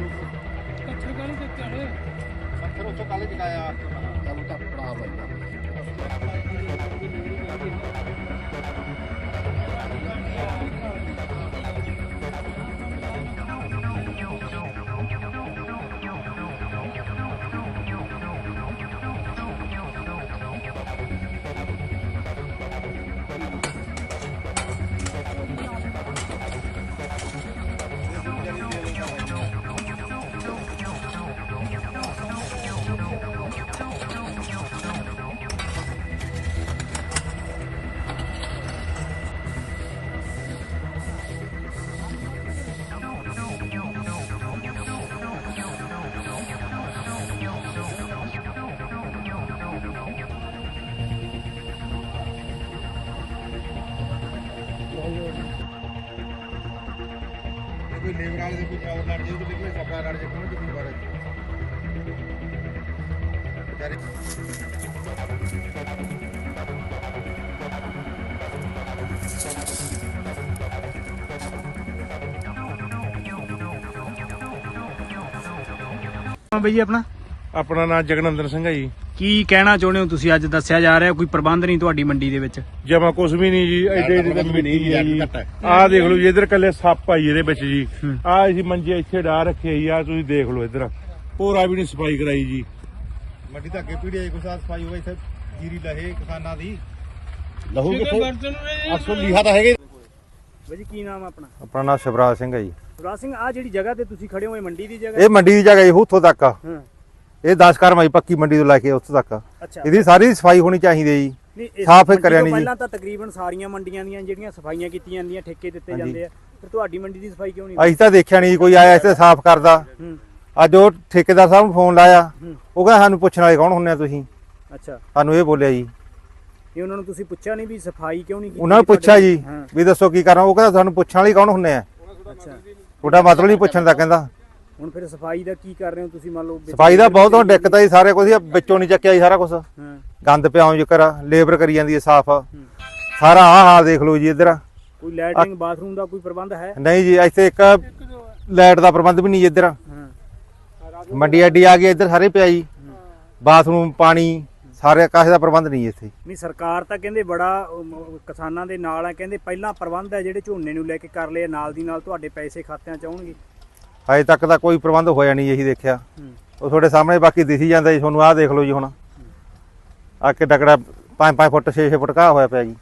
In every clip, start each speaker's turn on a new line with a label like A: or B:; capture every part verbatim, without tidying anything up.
A: पत्थर काले देते हैं पत्थर उसको काले दिखाया चलो तो पड़ा बंदा कोई लेबर वाले से कुछ और लड़ जाए तो निकले सफा लड़ जाए कौन कितनी बार बेचारे
B: हाँ भैया अपना
C: अपना नाम जगनंदन सिंह है जी।
B: ਕੀ ਕਹਿਣਾ ਚਾਹੁੰਦੇ ਹੋ ਤੁਸੀਂ? ਅੱਜ ਦੱਸਿਆ ਜਾ ਰਿਹਾ ਕੋਈ ਪ੍ਰਬੰਧ ਨਹੀਂ ਤੁਹਾਡੀ ਮੰਡੀ ਦੇ ਵਿੱਚ।
C: ਜਮਾ ਕੁਛ ਵੀ ਨਹੀਂ ਜੀ, ਐਡੇ ਐਡੇ ਤਾਂ ਮਿੱਟੀ ਹੈ ਜੀ। ਆਹ ਦੇਖ ਲਓ ਜੀ, ਇਧਰ ਕੱਲੇ ਸੱਪ ਆਈ ਇਹਦੇ ਵਿੱਚ ਜੀ। ਆਹ ਅਸੀਂ ਮੰਜੇ ਇੱਥੇ ਡਾ ਰੱਖੇ ਜੀ, ਆਹ ਤੁਸੀਂ ਦੇਖ ਲਓ ਇਧਰ ਪੂਰਾ ਵੀ ਨਹੀਂ ਸਫਾਈ ਕਰਾਈ ਜੀ।
A: ਮੰਡੀ ਤਾਂ ਅੱਗੇ ਪੀੜੀਆਂ ਕੋਈ ਸਾਫ ਸਫਾਈ ਹੋਵੇ ਇੱਥੇ ਜੀਰੀ ਲਹੇ ਕਿਸਾਨਾਂ ਦੀ
C: ਲਹੂ
A: ਕਿੱਥੋਂ ਅਸਲ ਲਿਖਾ ਤਾਂ ਹੈਗੇ।
B: ਬਾਜੀ ਕੀ ਨਾਮ ਆਪਣਾ?
D: ਆਪਣਾ ਨਾਮ ਸ਼ਿਵਰਾਜ ਸਿੰਘ ਹੈ ਜੀ।
B: ਸ਼ਿਵਰਾਜ ਸਿੰਘ, ਆ ਜਿਹੜੀ ਜਗ੍ਹਾ ਤੇ ਤੁਸੀਂ ਖੜੇ ਹੋ ਇਹ ਮੰਡੀ ਦੀ ਜਗ੍ਹਾ?
D: ਇਹ ਮੰਡੀ ਦੀ ਜਗ੍ਹਾ ਜੀ, ਉੱਥੋਂ ਤੱਕ
B: ਹਾਂ।
D: ਇਹ ਦਸ ਕਰਮਾਈ ਪੱਕੀ ਮੰਡੀ ਤੋਂ ਲੈ ਕੇ ਉੱਥੋਂ ਤੱਕ
B: ਅੱਛਾ,
D: ਇਹਦੀ ਸਾਰੀ ਸਫਾਈ ਹੋਣੀ ਚਾਹੀਦੀ ਹੈ ਜੀ।
B: ਨਹੀਂ ਇਸ
D: ਸਾਫ਼
B: ਮੰਡੀ
D: ਕਰਿਆ
B: ਤੋਂ
D: ਨਹੀਂ ਜੀ।
B: ਪਹਿਲਾਂ ਤਾਂ ਤਕਰੀਬਨ ਸਾਰੀਆਂ ਮੰਡੀਆਂ ਦੀਆਂ ਜਿਹੜੀਆਂ ਸਫਾਈਆਂ ਕੀਤੀਆਂ ਜਾਂਦੀਆਂ ਠੇਕੇ ਦਿੱਤੇ ਜਾਂਦੇ ਆ, ਫਿਰ ਤੁਹਾਡੀ ਮੰਡੀ ਦੀ ਸਫਾਈ ਕਿਉਂ ਨਹੀਂ?
D: ਅਸੀਂ ਤਾਂ ਦੇਖਿਆ ਨਹੀਂ ਕੋਈ ਆਇਆ ਇੱਥੇ ਸਾਫ਼ ਕਰਦਾ।
B: ਹੂੰ।
D: ਅੱਜ ਉਹ ਠੇਕੇਦਾਰ ਸਾਹਿਬ ਨੂੰ ਫੋਨ ਲਾਇਆ,
B: ਹੂੰ।
D: ਉਹ ਕਹਿੰਦਾ ਸਾਨੂੰ ਪੁੱਛਣ ਵਾਲੇ ਕੌਣ ਹੁੰਦੇ ਆ ਤੁਸੀਂ?
B: ਅੱਛਾ,
D: ਸਾਨੂੰ ਇਹ ਬੋਲਿਆ ਜੀ।
B: ਇਹ ਉਹਨਾਂ ਨੂੰ ਤੁਸੀਂ ਪੁੱਛਿਆ ਨਹੀਂ ਵੀ ਸਫਾਈ ਕਿਉਂ ਨਹੀਂ ਕੀਤੀ?
D: ਉਹਨਾਂ ਨੂੰ ਪੁੱਛਿਆ ਜੀ
B: ਹਾਂ।
D: ਵੀ ਦੱਸੋ ਕੀ ਕਰਨਾ, ਉਹ ਕਹਿੰਦਾ ਸਾਨੂੰ ਪੁੱਛਣ ਵਾਲੇ ਕੌਣ ਹੁੰਦੇ ਆ?
B: ਅੱਛਾ,
D: ਤੁਹਾਡਾ ਮਤਲਬ ਨਹੀਂ ਪੁੱਛਣ ਦਾ। ਕਹਿੰਦਾ
B: ਹੁਣ ਫਿਰ ਸਫਾਈ ਦਾ ਕੀ ਕਰ ਰਹੇ ਹੋ ਤੁਸੀਂ? ਮੰਨ ਲਓ
D: ਸਫਾਈ ਦਾ ਬਹੁਤ ਹੁਣ ਦਿੱਕਤ ਆਈ, ਸਾਰੇ ਕੁਝ ਵਿੱਚੋਂ ਨਹੀਂ ਚੱਕਿਆ ਜੀ ਸਾਰਾ ਕੁਝ।
B: ਹਾਂ।
D: ਗੰਦ ਪਿਆ ਹੋ ਜਕਰ ਲੇਬਰ ਕਰੀ ਜਾਂਦੀ ਹੈ ਸਾਫ਼। ਸਾਰਾ ਆਹ ਹਾਲ ਦੇਖ ਲਓ ਜੀ ਇੱਧਰ।
B: ਕੋਈ ਲੈਟਰਿੰਗ ਬਾਥਰੂਮ ਦਾ ਕੋਈ ਪ੍ਰਬੰਧ ਹੈ?
D: ਨਹੀਂ ਜੀ, ਇੱਥੇ ਇੱਕ ਲਾਈਟ ਦਾ ਪ੍ਰਬੰਧ ਵੀ ਨਹੀਂ ਇੱਧਰ।
B: ਹਾਂ।
D: ਮੰਡੀ ਐਡੀ ਆ ਗਈ, ਇੱਧਰ ਸਾਰੇ ਪਿਆ ਜੀ। ਬਾਥਰੂਮ, ਪਾਣੀ, ਸਾਰੇ ਕਾਸੇ ਦਾ ਪ੍ਰਬੰਧ ਨਹੀਂ ਇੱਥੇ।
B: ਨਹੀਂ, ਸਰਕਾਰ ਤਾਂ ਕਹਿੰਦੇ ਬੜਾ ਅਮ, ਕਿਸਾਨਾਂ ਦੇ ਨਾਲ ਹੈ, ਕਹਿੰਦੇ ਪਹਿਲਾਂ ਪ੍ਰਬੰਧ ਹੈ ਜਿਹੜੇ ਝੋਨੇ ਨੂੰ ਲੈ ਕੇ ਕਰ ਲਏ, ਨਾਲ ਦੀ ਨਾਲ ਤੁਹਾਡੇ ਪੈਸੇ ਖਾਤਿਆਂ ਚ ਆਉਣਗੇ।
D: ਅਜੇ ਤੱਕ ਤਾਂ ਕੋਈ ਪ੍ਰਬੰਧ ਹੋਇਆ ਨਹੀਂ, ਇਹੀ ਦੇਖਿਆ। ਉਹ ਤੁਹਾਡੇ ਸਾਹਮਣੇ ਬਾਕੀ ਦਿਸੀ ਜਾਂਦਾ ਜੀ ਤੁਹਾਨੂੰ। ਆਹ ਦੇਖ ਲਓ ਜੀ, ਹੁਣ ਆ ਕੇ ਟਕੜਾ ਪੰਜ ਪੰਜ ਫੁੱਟ ਛੇ ਛੇ ਫੁੱਟ ਘਾਹ ਹੋਇਆ ਪਿਆ ਜੀ।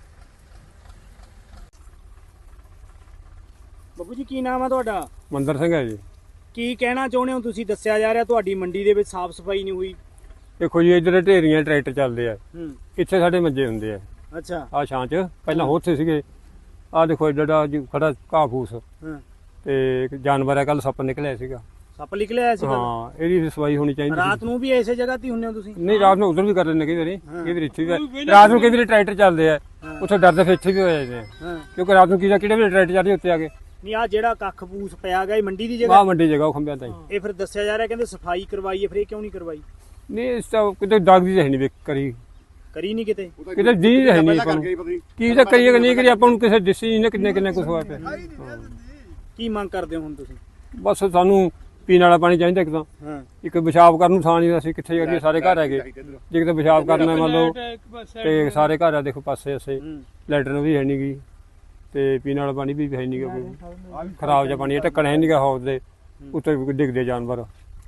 B: ਬੱਬੂ ਜੀ ਕੀ ਨਾਮ ਆ ਤੁਹਾਡਾ?
C: ਮੰਦਰ ਸਿੰਘ ਹੈ ਜੀ।
B: ਕੀ ਕਹਿਣਾ ਚਾਹੁੰਦੇ ਹੋ ਤੁਸੀਂ? ਦੱਸਿਆ ਜਾ ਰਿਹਾ ਤੁਹਾਡੀ ਮੰਡੀ ਦੇ ਵਿੱਚ ਸਾਫ਼ ਸਫਾਈ ਨਹੀਂ ਹੋਈ।
C: ਦੇਖੋ ਜੀ, ਇੱਧਰ ਢੇਰੀਆਂ ਟਰੈਕਟਰ ਚੱਲਦੇ ਆ,
B: ਹੂੰ।
C: ਇੱਥੇ ਸਾਡੇ ਮੰਜੇ ਹੁੰਦੇ ਆ।
B: ਅੱਛਾ।
C: ਆਹ ਛਾਂ ਚ ਪਹਿਲਾਂ ਉੱਥੇ ਸੀਗੇ। ਆਹ ਦੇਖੋ ਏਡਾ ਜੀ ਖੜਾ ਘਾਹ ਫੂਸ
B: ਹਾਂ।
C: ਤੇ ਇੱਕ ਜਾਨਵਰ ਆ, ਕੱਲ ਸੱਪ ਨਿਕਲਿਆ ਸੀਗਾ।
B: ਸੱਪ ਨਿਕਲਿਆ ਆਇਆ ਸੀ ਕੱਲ੍ਹ?
C: ਹਾਂ, ਇਹਦੀ ਸਫਾਈ ਹੋਣੀ ਚਾਹੀਦੀ ਸੀ।
B: ਰਾਤ ਨੂੰ ਵੀ ਐਸੇ ਜਗ੍ਹਾ ਤੇ ਹੀ ਹੁੰਦੇ ਹੋ ਤੁਸੀਂ?
C: ਨਹੀਂ, ਰਾਤ ਨੂੰ ਉਧਰ ਵੀ ਕਰ ਲੈਂਦੇ ਕਈ ਵਾਰੀ, ਕਈ ਵਾਰੀ ਇੱਥੇ ਵੀ। ਰਾਤ ਨੂੰ ਕਈ ਵਾਰੀ ਟਰੈਕਟਰ ਚੱਲਦੇ ਆ, ਉੱਥੇ ਡਰਦੇ ਫਿਰ ਇੱਥੇ ਵੀ ਹੋ ਜਾਂਦੇ ਆ,
B: ਹਾਂ।
C: ਕਿਉਂਕਿ ਰਾਤ ਨੂੰ ਕੀ ਕਿਹੜੇ ਵੇਲੇ ਟਰੈਕਟਰ ਚੱਲਦੇ ਉੱਤੇ ਆ ਕੇ।
B: ਨਹੀਂ, ਆ ਜਿਹੜਾ ਕੱਖ ਪੂਸ ਪਿਆ ਗਿਆ ਇਹ ਮੰਡੀ ਦੀ
C: ਆਹ
B: ਜਗ੍ਹਾ?
C: ਮੰਡੀ ਜਗ੍ਹਾ ਉਹ ਖੰਭਿਆਂ ਤਾਈ।
B: ਇਹ ਫਿਰ ਦੱਸਿਆ ਜਾ ਰਿਹਾ ਕਹਿੰਦੇ ਸਫਾਈ ਕਰਵਾਈ ਹੈ, ਫਿਰ ਇਹ ਕਿਉਂ ਨਹੀਂ ਕਰਵਾਈ?
C: ਨਹੀਂ, ਇਸ ਤਾਂ ਕਿਤੇ ਦਾਗ ਦੀ ਹੈ ਨਹੀਂ ਵੇਖ ਕਰੀ,
B: ਕਰੀ ਨਹੀਂ ਕਿਤੇ?
C: ਕਿਤੇ ਦੀ ਹੈ ਨਹੀਂ ਆਪਾਂ ਨੂੰ। ਕੀ ਤਾਂ ਕਰੀਏ ਕਿ ਨਹੀਂ ਕਰੀਏ, ਆਪਾਂ ਨੂੰ ਕਿਸੇ ਦਿਸੀ ਨਹੀਂ ਕਿੰਨੇ ਕਿੰਨੇ ਕੁਛ ਹੋਇਆ ਪਿਆ।
B: ਕੀ ਮੰਗ ਕਰਦੇ ਹੋ ਹੁਣ ਤੁਸੀਂ?
C: ਬਸ ਸਾਨੂੰ ਪੀਣ ਵਾਲਾ ਪਾਣੀ ਚਾਹੀਦਾ ਇੱਕ ਤਾਂ,
B: ਹਾਂ।
C: ਇੱਕ ਪਿਸ਼ਾਬ ਕਰਨ ਨੂੰ ਥਾਂ ਨਹੀਂ। ਅਸੀਂ ਕਿੱਥੇ ਜਾਈਏ? ਸਾਰੇ ਘਰ ਹੈਗੇ, ਜੇ ਕਿਤੇ ਪਿਸ਼ਾਬ ਕਰਨਾ ਮੰਨ ਲਓ ਤੇ ਸਾਰੇ ਘਰ ਆ, ਦੇਖੋ ਪਾਸੇ ਅਸੇ ਲੈਟਰਨ ਵੀ ਹੈ ਨਹੀਂ ਗੀ, ਤੇ ਪੀਣ ਵਾਲਾ ਪਾਣੀ ਵੀ ਹੈ ਨਹੀਂ ਗਾ, ਕੋਈ ਖਰਾਬ ਜਿਹਾ ਪਾਣੀ, ਢੱਕਣ ਹੈ ਨਹੀਂ ਗਾ ਹੌਜ਼ ਦੇ ਉੱਤੇ ਡਿੱਗਦੇ ਜਾਨਵਰ।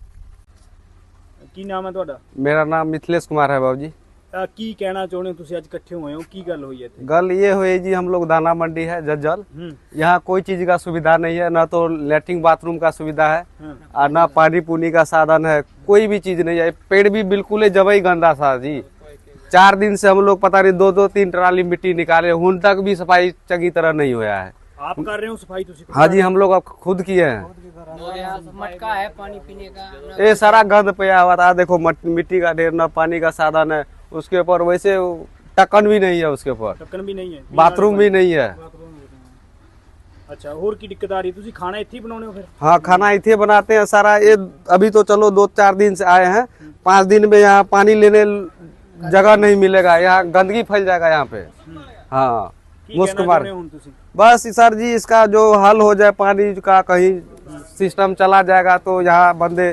B: ਕੀ ਨਾਮ ਹੈ ਤੁਹਾਡਾ?
E: मेरा नाम मिथिलेश कुमार है बाबू जी।
B: ਅਹ ਕੀ ਕਹਿਣਾ ਚਾਹੁੰਦੇ ਹੋ ਤੁਸੀਂ? ਅੱਜ ਇਕੱਠੇ ਹੋਏ ਹੋ, ਕੀ ਗੱਲ ਹੋਈ ਹੈ ਇੱਥੇ?
E: गल ये हुई जी, हम लोग दाना मंडी है जज्जल,
B: हम्म।
E: यहाँ कोई चीज का सुविधा नहीं है, ना तो लेटरिन बाथरूम का सुविधा है
B: हाँ।
E: और ना पानी पुनी का साधन है, कोई भी चीज नहीं है। पेड़ भी बिल्कुल ही जबई गंदा था जी। चार दिन से हम लोग पता नहीं दो दो तीन ट्राली मिट्टी निकाले, उन तक भी सफाई चंगी तरह नहीं हुआ है।
B: आप कर रहे हो सफाई? तुसी
E: हाँ जी, हम लोग अब खुद किए हैं।
F: मटका है पानी पीने का।
E: ये सारा गंद पया हुआ था, देखो मिट्टी का ढेर, ना पानी का साधन है उसके ऊपर, वैसे टक्कन भी नहीं है उसके ऊपर,
B: ढक्कन भी नहीं है,
E: बाथरूम भी नहीं है।
B: अच्छा, और की दिक्कत आ रही है? तुसी खाना इत्थे ही बनाने हो फिर?
E: हाँ, खाना इतने बनाते हैं सारा। ये अभी तो चलो दो चार दिन से आए हैं, पाँच दिन में यहाँ पानी लेने जगह नहीं मिलेगा, यहाँ गंदगी फैल जाएगा यहाँ पे। हाँ, मुश्क मार। बस सर जी, इसका जो हल हो जाए पानी का, कहीं सिस्टम चला जाएगा तो यहाँ बंदे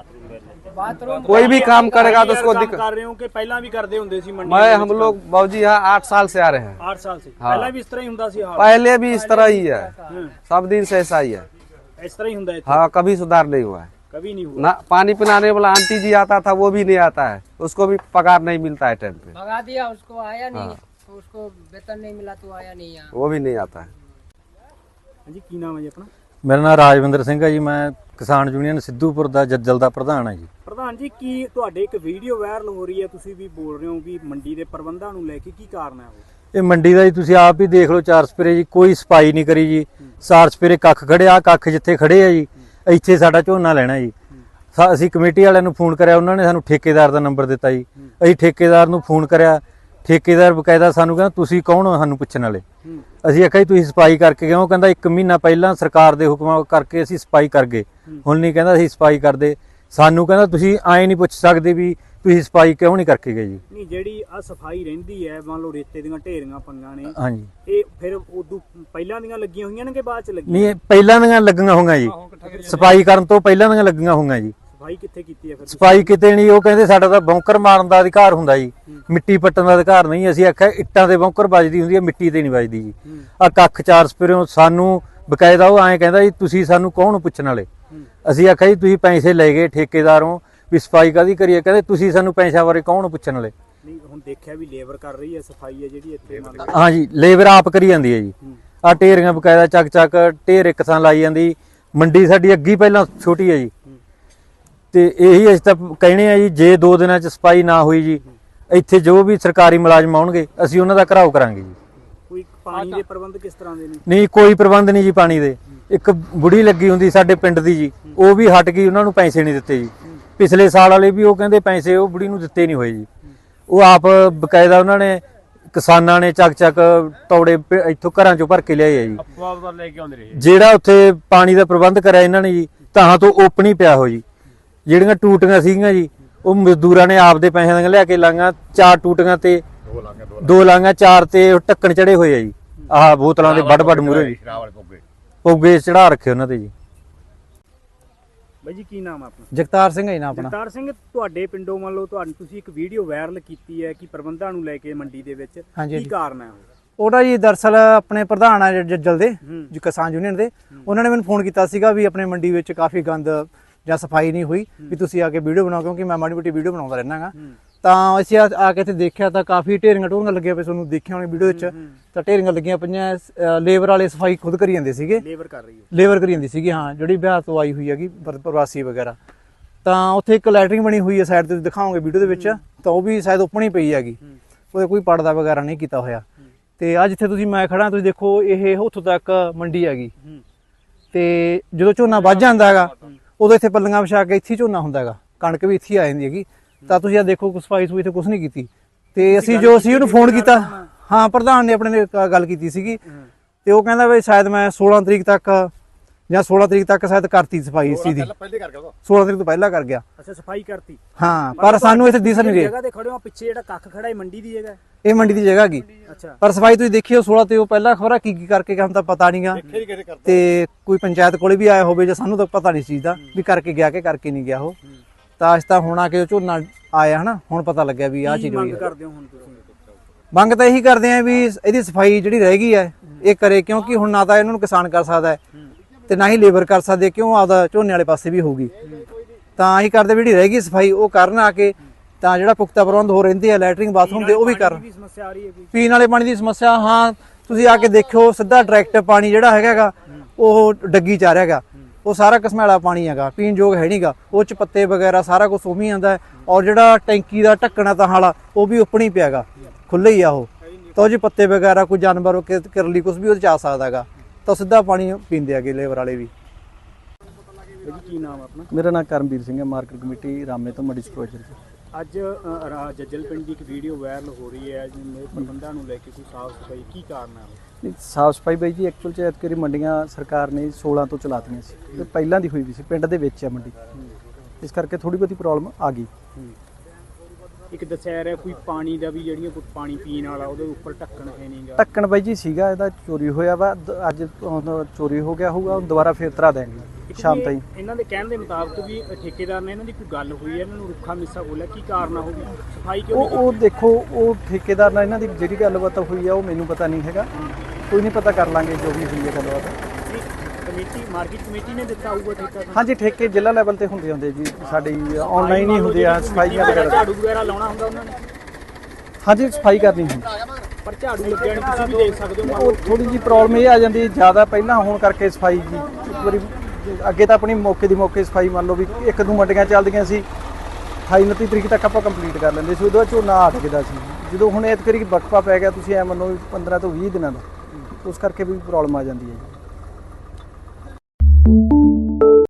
F: बाथरूम
E: कोई भी काम करेगा तो उसको
B: काम
E: दिक्कत।
B: कर रहे हो कि ਪਹਿਲਾਂ ਵੀ ਕਰਦੇ ਹੁੰਦੇ ਸੀ ਮੰਡੀ
E: मैं हम लोग बाबूजी यहाँ आठ साल से आ रहे हैं।
B: आठ साल से
E: हाँ।
B: ਪਹਿਲਾਂ ਵੀ ਇਸ ਤਰ੍ਹਾਂ ਹੀ ਹੁੰਦਾ ਸੀ ਹਾਲ
E: पहले भी इस तरह ही है,
B: हम्म,
E: सब दिन से ऐसा ही है।
B: ਇਸ ਤਰ੍ਹਾਂ ਹੀ ਹੁੰਦਾ ਇੱਥੇ
E: हाँ, कभी सुधार नहीं हुआ है
B: कभी नहीं हुआ
E: ना। पानी पिलाने वाला आंटी जी आता था वो भी नहीं आता है, उसको भी पगार नहीं मिलता है टाइम पे,
F: भगा दिया उसको, आया नहीं तो उसको वेतन नहीं मिला तो आया नहीं यहाँ।
E: वो भी नहीं आता है।
B: ਹਾਂਜੀ ਕੀ ਨਾਮ ਹੈ ਜੀ ਆਪਣਾ?
G: ਮੇਰਾ ਨਾਮ ਰਾਜਵਿੰਦਰ ਸਿੰਘ ਹੈ ਜੀ। ਮੈਂ ਕਿਸਾਨ ਯੂਨੀਅਨ ਸਿੱਧੂਪੁਰ ਦਾ ਜੱਜਲ ਦਾ ਪ੍ਰਧਾਨ ਹਾਂ ਜੀ।
B: ਪ੍ਰਧਾਨ ਜੀ ਕੀ ਤੁਹਾਡੇ ਇੱਕ ਵੀਡੀਓ ਵਾਇਰਲ ਹੋ ਰਹੀ ਹੈ, ਤੁਸੀਂ ਵੀ ਬੋਲ ਰਹੇ ਹੋ ਵੀ ਮੰਡੀ ਦੇ ਪ੍ਰਬੰਧਾਂ ਨੂੰ ਲੈ ਕੇ ਕੀ ਕਾਰਨ ਹੈ ਉਹ?
G: ਇਹ ਮੰਡੀ ਦਾ ਜੀ ਤੁਸੀਂ ਆਪ ਹੀ ਦੇਖ ਲਓ, ਚਾਰ ਸਪਰੇ ਜੀ ਕੋਈ ਸਫਾਈ ਨਹੀਂ ਕਰੀ ਜੀ। ਚਾਰ ਸਪਰੇ ਕੱਖ ਖੜਿਆ, ਕੱਖ ਜਿੱਥੇ ਖੜੇ ਆ ਜੀ ਇੱਥੇ ਸਾਡਾ ਝੋਨਾ ਲੈਣਾ ਜੀ। ਸਾ- ਅਸੀਂ ਕਮੇਟੀ ਵਾਲਿਆਂ ਨੂੰ ਫੋਨ ਕਰਿਆ, ਉਹਨਾਂ ਨੇ ਸਾਨੂੰ ਠੇਕੇਦਾਰ ਦਾ ਨੰਬਰ ਦਿੱਤਾ ਜੀ। ਅਸੀਂ ਠੇਕੇਦਾਰ ਨੂੰ ਫੋਨ ਕਰਿਆ, ਠੇਕੇਦਾਰ ਬਕਾਇਦਾ ਸਾਨੂੰ ਕਹਿੰਦਾ ਤੁਸੀਂ ਕੌਣ ਹੋ ਸਾਨੂੰ ਪੁੱਛਣ ਵਾਲੇ। ਅਸੀਂ ਆਖਿਆ ਜੀ ਤੁਸੀਂ ਸਫਾਈ ਕਰਕੇ ਗਏ ਹੋ? ਕਹਿੰਦਾ ਇੱਕ ਮਹੀਨਾ ਪਹਿਲਾਂ ਸਰਕਾਰ ਦੇ ਹੁਕਮਾਂ ਕਰਕੇ ਅਸੀਂ ਸਫਾਈ ਕਰ ਗਏ, ਹੁਣ ਨਹੀਂ ਕਹਿੰਦਾ ਅਸੀਂ ਸਫਾਈ ਕਰਦੇ। ਸਾਨੂੰ ਕਹਿੰਦਾ ਤੁਸੀਂ ਐਂ ਨਹੀਂ ਪੁੱਛ ਸਕਦੇ ਵੀ ਤੁਸੀਂ ਸਫਾਈ ਕਿਉਂ ਨਹੀਂ ਕਰਕੇ ਗਏ ਜੀ।
B: ਨਹੀਂ ਜਿਹੜੀ ਆ ਸਫਾਈ ਰਹਿੰਦੀ ਹੈ, ਮੰਨ ਲਓ ਰੇਤੇ ਦੀਆਂ ਢੇਰੀਆਂ ਪੰਗਾਂ ਨੇ,
G: ਹਾਂਜੀ,
B: ਇਹ ਫਿਰ ਉਦੋਂ ਪਹਿਲਾਂ ਦੀਆਂ ਲੱਗੀਆਂ ਹੋਈਆਂ ਨੇ ਕਿ ਬਾਅਦ ਚ ਲੱਗੀਆਂ?
G: ਨਹੀਂ ਇਹ ਪਹਿਲਾਂ ਦੀਆਂ ਲੱਗੀਆਂ ਹੋਈਆਂ ਜੀ, ਸਫਾਈ ਕਰਨ ਤੋਂ ਪਹਿਲਾਂ ਦੀਆਂ ਲੱਗੀਆਂ ਹੋਈਆਂ ਜੀ।
B: ਸਫਾਈ ਕਿੱਥੇ ਕੀਤੀ ਹੈ ਫਿਰ?
G: ਸਫਾਈ ਕਿਤੇ ਨਹੀਂ, ਉਹ ਕਹਿੰਦੇ ਸਾਡਾ ਤਾਂ ਬੌਂਕਰ ਮਾਰਨ ਦਾ ਅਧਿਕਾਰ ਹੁੰਦਾ ਜੀ, ਮਿੱਟੀ ਪੱਟਣ ਦਾ ਅਧਿਕਾਰ ਨਹੀਂ। ਅਸੀਂ ਆਖਿਆ ਇੱਟਾਂ ਦੇ ਬੌਂਕਰ ਵੱਜਦੀ ਹੁੰਦੀ ਹੈ, ਮਿੱਟੀ ਤੇ ਨਹੀਂ ਵੱਜਦੀ ਜੀ। ਆ ਕੱਖ ਚਾਰ ਸਪਰਿਓ ਸਾਨੂੰ ਬਕਾਇਦਾ ਉਹ ਐਂ ਕਹਿੰਦਾ ਜੀ ਤੁਸੀਂ ਸਾਨੂੰ ਕੌਣ ਪੁੱਛਣ ਵਾਲੇ। ਅਸੀਂ ਆਖਿਆ ਜੀ ਤੁਸੀਂ ਪੈਸੇ ਲੈ ਗਏ ਠੇਕੇਦਾਰੋਂ ਵੀ ਸਫਾਈ ਕਾਹਦੀ ਕਰੀਏ? ਕਹਿੰਦੇ ਤੁਸੀਂ ਸਾਨੂੰ ਪੈਸਿਆਂ ਬਾਰੇ ਕੌਣ ਪੁੱਛਣ ਵਾਲੇ।
B: ਨਹੀਂ ਹੁਣ ਦੇਖਿਆ ਵੀ ਲੇਬਰ ਕਰ ਰਹੀ ਹੈ ਸਫਾਈ ਹੈ ਜਿਹੜੀ ਇੱਥੇ ਮੰਨ ਲਓ।
G: ਹਾਂਜੀ, ਲੇਬਰ ਆਪ ਕਰੀ ਜਾਂਦੀ ਹੈ ਜੀ। ਆ ਢੇਰੀਆਂ ਬਕਾਇਦਾ ਚੱਕ ਚੱਕ ਢੇਰ ਇੱਕ ਥਾਂ ਲਾਈ ਜਾਂਦੀ। ਮੰਡੀ ਸਾਡੀ ਅੱਗੀ ਪਹਿਲਾਂ ਛੋਟੀ ਹੈ ਜੀ, ਤੇ ਇਹੀ ਅਸੀਂ ਤਾਂ ਕਹਿਣੇ ਆ ਜੀ ਜੇ ਦੋ ਦਿਨਾਂ ਚ ਸਫਾਈ ਨਾ ਹੋਈ ਜੀ ਇੱਥੇ ਜੋ ਵੀ ਸਰਕਾਰੀ ਮੁਲਾਜ਼ਮ ਆਉਣਗੇ ਅਸੀਂ ਉਹਨਾਂ ਦਾ ਘਰਾਓ ਕਰਾਂਗੇ ਜੀ।
B: ਕੋਈ ਪਾਣੀ ਦੇ ਪ੍ਰਬੰਧ ਕਿਸ ਤਰ੍ਹਾਂ ਦੇ ਨੇ?
G: ਨਹੀਂ ਕੋਈ ਪ੍ਰਬੰਧ ਨਹੀਂ ਜੀ ਪਾਣੀ ਦੇ। ਇੱਕ ਬੁੜੀ ਲੱਗੀ ਹੁੰਦੀ ਸਾਡੇ ਪਿੰਡ ਦੀ ਜੀ, ਉਹ ਵੀ ਹਟ ਗਈ, ਉਹਨਾਂ ਨੂੰ ਪੈਸੇ ਨਹੀਂ ਦਿੱਤੇ ਜੀ। ਪਿਛਲੇ ਸਾਲ ਵਾਲੇ ਵੀ ਉਹ ਕਹਿੰਦੇ ਪੈਸੇ ਉਹ ਬੁੜੀ ਨੂੰ ਦਿੱਤੇ ਨਹੀਂ ਹੋਏ ਜੀ। ਉਹ ਆਪ ਬਕਾਇਦਾ ਉਹਨਾਂ ਨੇ ਕਿਸਾਨਾਂ ਨੇ ਚੱਕ ਚੱਕ ਤੌੜੇ ਪ- ਇੱਥੋਂ ਘਰਾਂ ਚੋਂ ਭਰ ਕੇ ਲਿਆਏ ਆ ਜੀ।
C: ਲੈ ਕੇ ਆਉਂਦੇ ਰਹੇ
G: ਜਿਹੜਾ ਉੱਥੇ ਪਾਣੀ ਦਾ ਪ੍ਰਬੰਧ ਕਰਿਆ ਇਹਨਾਂ ਨੇ ਜੀ ਤਾਂ ਤੋਂ ਓਪਨ ਹੀ ਪਿਆ ਹੋ ਜੀ। ਜਿਹੜੀਆਂ ਟੂਟੀਆਂ ਸੀਗੀਆਂ ਜੀ ਉਹ ਮਜ਼ਦੂਰਾਂ ਨੇ ਆਪਦੇ ਪੈਸਿਆਂ ਦੀਆਂ ਲਿਆ ਕੇ ਲਾਂਗਾ। ਚਾਰ ਟੂਟੀਆਂ ਤੇ ਦੋ ਲਾਂਗਾ, ਚਾਰ ਤੇ ਉਹ ਢੱਕਣ ਚੜੇ ਹੋਏ ਆ ਜੀ। ਆਹ ਬੋਤਲਾਂ ਦੇ ਵੱਡ ਵੱਡ ਮੂਹਰੇ ਜੀ ਪੋਗੇ ਚੜਾ ਰੱਖੇ ਉਹਨਾਂ ਤੇ ਜੀ।
B: ਬਾਈ ਜੀ ਕੀ ਨਾਮ ਆ ਆਪਣਾ?
H: ਜਗਤਾਰ ਸਿੰਘ ਹੈ ਨਾ ਆਪਣਾ।
B: ਜਗਤਾਰ ਸਿੰਘ, ਤੁਹਾਡੇ ਪਿੰਡੋਂ ਮੰਨ ਲਓ ਤੁਹਾਨੂੰ ਤੁਸੀਂ ਇੱਕ ਵੀਡੀਓ ਵਾਇਰਲ ਕੀਤੀ ਹੈ ਕਿ ਪ੍ਰਬੰਧਾਂ ਨੂੰ ਲੈ ਕੇ ਮੰਡੀ ਦੇ ਵਿੱਚ
H: ਹਾਂਜੀ,
B: ਕੀ
H: ਹਾਂਜੀ।
B: ਕਾਰਨ ਹੈ ਉਹ?
H: ਉਹਦਾ ਜੀ ਦਰਅਸਲ ਆਪਣੇ ਪ੍ਰਧਾਨ ਆ ਜ- ਜੱਜਲ ਦੇ
B: ਹੂੰ।
H: ਜੋ ਕਿਸਾਨ ਯੂਨੀਅਨ ਦੇ, ਉਹਨਾਂ ਨੇ ਮੈਨੂੰ ਫੋਨ ਕੀਤਾ ਸੀਗਾ ਵੀ ਆਪਣੇ ਮੰਡੀ ਵਿੱਚ ਕਾਫੀ ਗੰਦ ਜਾਂ ਸਫਾਈ ਨਹੀਂ ਹੋਈ, ਵੀ ਤੁਸੀਂ ਆ ਕੇ ਵੀਡੀਓ ਬਣਾਓ, ਕਿਉਂਕਿ ਮੈਂ ਮਾੜੀ ਮੋਟੀ ਵੀਡੀਓ ਬਣਾਉਂਦਾ ਰਹਿੰਦਾ ਗਾ। ਤਾਂ ਅਸੀਂ ਆ ਆ ਕੇ ਇੱਥੇ ਦੇਖਿਆ ਤਾਂ ਕਾਫੀ ਢੇਰੀਆਂ ਢੋਰੀਆਂ ਲੱਗੀਆਂ ਪਈਆਂ, ਤੁਹਾਨੂੰ ਦੇਖਿਆ ਹੋਣੀ ਵੀਡੀਓ ਵਿੱਚ। ਤਾਂ ਢੇਰੀਆਂ ਲੱਗੀਆਂ ਪਈਆਂ, ਅ, ਲੇਬਰ ਵਾਲੇ ਸਫਾਈ ਖੁਦ ਕਰੀ ਜਾਂਦੇ ਸੀਗੇ,
B: ਲੇਬਰ ਕਰ ਰਹੀ ਹੈ।
H: ਲੇਬਰ ਕਰੀ ਜਾਂਦੀ ਸੀਗੀ, ਹਾਂ, ਜਿਹੜੀ ਬਿਹਾਰ ਤੋਂ ਆਈ ਹੋਈ ਹੈਗੀ ਪਰ- ਪ੍ਰਵਾਸੀ ਵਗੈਰਾ। ਤਾਂ ਉੱਥੇ ਇੱਕ ਲੈਟਰਿੰਗ ਬਣੀ ਹੋਈ ਹੈ ਸਾਈਡ ਤੇ, ਤੁਸੀਂ ਦਿਖਾਓਗੇ ਵੀਡੀਓ ਦੇ ਵਿੱਚ, ਤਾਂ ਉਹ ਵੀ ਸ਼ਾਇਦ ਓਪਨ ਹੀ ਪਈ ਹੈਗੀ, ਉਹਦੇ ਕੋਈ ਪਰਦਾ ਵਗੈਰਾ ਨਹੀਂ ਕੀਤਾ ਹੋਇਆ। ਤੇ ਆ ਜਿੱਥੇ ਤੁਸੀਂ ਮੈਂ ਖੜਾ, ਤੁਸੀਂ ਦੇਖੋ ਇਹ ਉੱਥੋਂ ਤੱਕ ਮੰਡੀ ਹੈਗੀ। ਤੇ ਜਦੋਂ ਝੋਨਾ ਵੱਝ ਜਾਂਦਾ ਹੈਗਾ ਉਦੋਂ ਇੱਥੇ ਪੱਲੀਆਂ ਵਿਛਾ ਕੇ ਇੱਥੇ ਹੀ ਝੋਨਾ ਹੁੰਦਾ ਹੈਗਾ, ਕਣਕ ਵੀ ਇੱਥੇ ਹੀ ਆ ਜਾਂਦੀ ਹੈਗੀ। ਤਾਂ ਤੁਸੀਂ ਆ ਦੇਖੋ ਸਫਾਈ ਸਫੂਈ ਇੱਥੇ ਕੁਝ ਨਹੀਂ ਕੀਤੀ। ਤੇ ਅਸੀਂ ਜੋ ਅਸੀਂ ਉਹਨੂੰ ਫੋਨ ਕੀਤਾ, ਹਾਂ, ਪ੍ਰਧਾਨ ਨੇ ਆਪਣੇ ਨੇ ਕ- ਗੱਲ ਕੀਤੀ ਸੀਗੀ, ਤੇ ਉਹ ਕਹਿੰਦਾ ਵੀ ਸ਼ਾਇਦ ਮੈਂ ਸੋਲਾਂ ਤਰੀਕ ਤੱਕ ਜਾਂ ਸੋਲਾਂ ਤਰੀਕ ਤੱਕ ਸ਼ਾਇਦ ਕਰਤੀ ਸਫਾਈ ਇਸ ਚੀਜ਼ ਦੀ,
A: ਪਹਿਲੇ ਕਰ ਗਿਆ
H: ਸੋਲਾਂ ਤਰੀਕ ਤੋਂ ਪਹਿਲਾਂ ਕਰ ਗਿਆ।
B: ਅੱਛਾ, ਸਫਾਈ ਕਰਤੀ।
H: ਹਾਂ, ਪਰ ਸਾਨੂੰ ਇੱਥੇ ਦਿਸ ਨਹੀਂ ਰਿਹਾ।
B: ਜਗ੍ਹਾ ਤੇ ਖੜੇ ਹੋ, ਪਿੱਛੇ ਜਿਹੜਾ ਕੱਖ ਖੜਾ ਹੈ ਮੰਡੀ ਦੀ ਜਗ੍ਹਾ ਹੈ।
H: ਇਹ ਮੰਡੀ ਦੀ ਜਗ੍ਹਾ ਹੈਗੀ,
B: ਅੱਛਾ,
H: ਪਰ ਸਫਾਈ ਤੁਸੀਂ ਦੇਖਿਓ ਸੋਲਾਂ ਤੇ ਉਹ ਪਹਿਲਾਂ ਖਬਰਾਂ ਕੀ ਕੀ ਕਰਕੇ ਗਿਆ, ਹੁਣ ਤਾਂ ਪਤਾ ਨਹੀਂਗਾ। ਤੇ ਕੋਈ ਪੰਚਾਇਤ ਕੋਲੇ ਵੀ ਆਇਆ ਹੋਵੇ ਜਾਂ ਸਾਨੂੰ ਤਾਂ ਪਤਾ ਨਹੀਂ ਇਸ ਚੀਜ਼ ਦਾ ਵੀ ਕਰਕੇ ਗਿਆ ਕਿ ਕਰਕੇ ਨਹੀਂ ਗਿਆ ਉਹ। ਤਾਂ ਅਸੀਂ ਤਾਂ ਹੁਣ ਆ ਕੇ ਝੋਨਾ ਆਇਆ ਹਨਾ, ਹੁਣ ਪਤਾ ਲੱਗਿਆ ਵੀ ਆਹ
B: ਕੀ
H: ਚੀਜ਼ ਹੋਈ
B: ਮੰਗ
H: ਹੈ।
B: ਕਰਦੇ ਹੋ ਹੁਣ ਤੁਸੀਂ?
H: ਮੰਗ ਤਾਂ ਇਹੀ ਕਰਦੇ ਆ ਵੀ ਇਹਦੀ ਸਫਾਈ ਜਿਹੜੀ ਰਹਿ ਗਈ ਹੈ ਇਹ ਕਰੇ, ਕਿਉਂਕਿ ਹੁਣ ਨਾ ਤਾਂ ਇਹਨਾਂ ਨੂੰ ਕਿਸਾਨ ਕਰ ਸਕਦਾ ਹੈ ਤੇ ਨਾ ਹੀ ਲੇਬਰ ਕਰ ਸਕਦੇ, ਕਿਉਂ ਆਪਦਾ ਝੋਨੇ ਵਾਲੇ ਪਾਸੇ ਵੀ ਹੋਊਗੀ। ਤਾਂ ਅਸੀਂ ਕਰਦੇ ਵੀ ਜਿਹੜੀ ਰਹਿ ਗਈ ਸਫਾਈ ਉਹ ਕਰਨ ਆ ਕੇ, ਤਾਂ ਜਿਹੜਾ ਪੁਖਤਾ ਪ੍ਰਬੰਧ ਹੋ ਰਹਿੰਦੇ ਆ ਲੈਟਰਿੰਗ ਬਾਥਰੂਮ ਦੇ ਉਹ ਵੀ ਕਰਨ।
B: ਵੀ ਸਮੱਸਿਆ ਆ ਰਹੀ ਹੈ ਕੋਈ?
H: ਪੀਣ ਵਾਲੇ ਪਾਣੀ ਦੀ ਸਮੱਸਿਆ, ਹਾਂ, ਤੁਸੀਂ ਆ ਕੇ ਦੇਖਿਓ ਸਿੱਧਾ ਡਾਇਰੈਕਟ ਪਾਣੀ ਜਿਹੜਾ ਹੈਗਾ ਉਹ ਡੱਗੀ ਚ ਆ ਰਿਹਾ ਹੈਗਾ, ਉਹ ਸਾਰਾ ਘਸਮੈਲਾ ਪਾਣੀ ਹੈਗਾ, ਪੀਣ ਯੋਗ ਹੈ ਨਹੀਂਗਾ। ਉਹ ਚ ਪੱਤੇ ਵਗੈਰਾ ਸਾਰਾ ਕੁਝ ਉਵੇਂ ਹੀ ਆਉਂਦਾ, ਔਰ ਜਿਹੜਾ ਟੈਂਕੀ ਦਾ ਢੱਕਣਾ ਤਾਂ ਹਾਲਾ ਉਹ ਵੀ ਉੱਪਰ ਹੀ ਪਿਆਗਾ, ਖੁੱਲ੍ਹਾ ਹੀ ਆ ਉਹ। ਤਾਂ ਉਹ ਜੇ ਪੱਤੇ ਵਗੈਰਾ ਕੋਈ ਜਾਨਵਰ ਕਿਰਲੀ ਕੁਝ ਵੀ ਉਹਦੇ ਚ ਆ ਸਕਦਾ ਹੈਗਾ, ਤਾਂ ਸਿੱਧਾ ਪਾਣੀ ਪੀਂਦੇ ਹੈਗੇ ਲੇਬਰ ਵਾਲੇ ਵੀ।
B: ਕੀ ਨਾਮ ਆਪਣਾ?
I: ਮੇਰਾ ਨਾਮ ਕਰਮਵੀਰ ਸਿੰਘ ਹੈ, ਮਾਰਕੀਟ ਕਮੇਟੀ ਰਾਮੇ ਤੋਂ ਮੜੀ ਸਟੋਰੇਜ।
B: ਅੱਜ ਅ, ਰਾ- ਜੱਜਲ ਪਿੰਡ ਦੀ ਇੱਕ ਵੀਡੀਓ ਵਾਇਰਲ ਹੋ ਰਹੀ ਹੈ ਜਿਵੇਂ ਪ੍ਰਬੰਧਾਂ ਨੂੰ ਲੈ ਕੇ ਕੋਈ ਸਾਫ਼ ਸਫਾਈ, ਕੀ ਕਾਰਨ ਹੈ?
I: ਸਾਫ ਸਫਾਈ ਬਾਈ ਜੀ ਐਕਚੁਅਲ ਚ ਐਤਕੀ ਮੰਡੀਆਂ ਸਰਕਾਰ ਨੇ ਸੋਲਾਂ ਤੋਂ ਚਲਾਤੀਆਂ ਸੀ, ਤੇ ਪਹਿਲਾਂ ਦੀ ਹੋਈ ਵੀ ਸੀ, ਪਿੰਡ ਦੇ ਵਿੱਚ ਹੈ ਮੰਡੀ, ਇਸ ਕਰਕੇ ਥੋੜੀ ਬਹੁਤੀ ਪ੍ਰੋਬਲਮ ਆ ਗਈ।
B: ਇੱਕ ਦੱਸਿਆ ਰਿਹਾ ਕੋਈ ਪਾਣੀ ਦਾ ਵੀ, ਜਿਹੜੀਆਂ ਕੋਈ ਪਾਣੀ ਪੀਣ ਵਾਲਾ ਉਹਦੇ ਉੱਪਰ ਢੱਕਣ ਹੈ ਨਹੀਂਗਾ।
I: ਢੱਕਣ ਬਾਈ ਜੀ ਸੀਗਾ, ਇਹਦਾ ਚੋਰੀ ਹੋਇਆ ਵਾ, ਦ- ਅੱਜ ਹੁਣ ਚੋਰੀ ਹੋ ਗਿਆ ਹੋਊਗਾ, ਹੁਣ ਦੁਬਾਰਾ ਫੇਰ ਤਰਾ ਦੇਣਗੇ। ਸ਼ਾਮ ਤਾਈਂ।
B: ਇਹਨਾਂ ਦੇ ਕਹਿਣ ਦੇ ਮੁਤਾਬਕ ਵੀ ਠੇਕੇਦਾਰ ਨੇ ਇਹਨਾਂ ਦੀ ਕੋਈ ਗੱਲ ਹੋਈ ਹੈ, ਇਹਨਾਂ ਨੂੰ ਰੁੱਖਾ ਮਿੱਸਾ ਬੋਲਿਆ, ਕੀ ਕਾਰਨ ਹੋਊਗੀ ਸਫਾਈ ਕਿਉਂ
I: ਉਹ ਉਹ ਦੇਖੋ ਉਹ ਠੇਕੇਦਾਰ ਨਾਲ ਇਹਨਾਂ ਦੀ ਜਿਹੜੀ ਗੱਲਬਾਤ ਹੋਈ ਆ ਉਹ ਮੈਨੂੰ ਪਤਾ ਨਹੀਂ ਹੈਗਾ, ਕੋਈ ਨਹੀਂ, ਪਤਾ ਕਰ ਲਾਂਗੇ ਜੋ ਵੀ ਹੋਈ ਹੈ ਗੱਲਬਾਤ।
B: ਕਮੇਟੀ ਮਾਰਕੀਟ ਕਮੇਟੀ ਨੇ ਦਿੱਤਾ ਹੋਊਗਾ ਠੇਕਾ?
I: ਹਾਂਜੀ, ਠੇਕੇ ਜ਼ਿਲ੍ਹਾ ਲੈਵਲ ਤੇ ਹੁੰਦੇ ਹੁੰਦੇ ਜੀ, ਸਾਡੀ ਆਨਲਾਈਨ ਹੀ ਹੁੰਦੇ ਆ ਸਫਾਈਆਂ ਵਗੈਰਾ।
B: ਝਾੜੂ ਵਗੈਰਾ ਲਾਉਣਾ ਹੁੰਦਾ ਉਹਨਾਂ ਨੇ?
I: ਹਾਂਜੀ, ਸਫਾਈ ਕਰਨੀ ਹੁੰਦੀ।
B: ਪਰ ਝਾੜੂ ਲੱਗਿਆ ਨਹੀਂ, ਤੁਸੀਂ ਵੀ ਦੇਖ ਸਕਦੇ ਹੋ।
I: ਉਹ ਥੋੜੀ ਜੀ ਪ੍ਰੋਬਲਮ ਇਹ ਆ ਜਾਂਦੀ ਹੈ ਜ਼ਿਆਦਾ ਪਹਿਲਾਂ ਹੋਣ ਕਰਕੇ ਸਫਾਈ ਜੀ, ਇੱਕ ਵਾਰੀ ਅੱਗੇ ਤਾਂ ਆਪਣੀ ਮੌਕੇ ਦੀ ਮੌਕੇ ਸਫਾਈ ਮੰਨ ਲਓ ਵੀ ਇੱਕ ਦੋ ਮੰਡੀਆਂ ਚੱਲਦੀਆਂ ਸੀ, ਅਠਾਈ ਉਨੱਤੀ ਤਰੀਕ ਤੱਕ ਆਪਾਂ ਕੰਪਲੀਟ ਕਰ ਲੈਂਦੇ ਸੀ, ਉਹਦੇ ਬਾਅਦ ਝੋਨਾ ਅਟ ਗਿਆ ਸੀ। ਜਦੋਂ ਹੁਣ ਐਤਕੀ ਵਕਫਾ ਪੈ ਗਿਆ, ਤੁਸੀਂ ਐ ਮੰਨੋ ਵੀ ਪੰਦਰਾਂ ਤੋਂ ਵੀਹ ਦਿਨਾਂ ਦਾ, ਉਸ ਕਰਕੇ ਵੀ ਪ੍ਰੋਬਲਮ ਆ ਜਾਂਦੀ ਹੈ ਜੀ।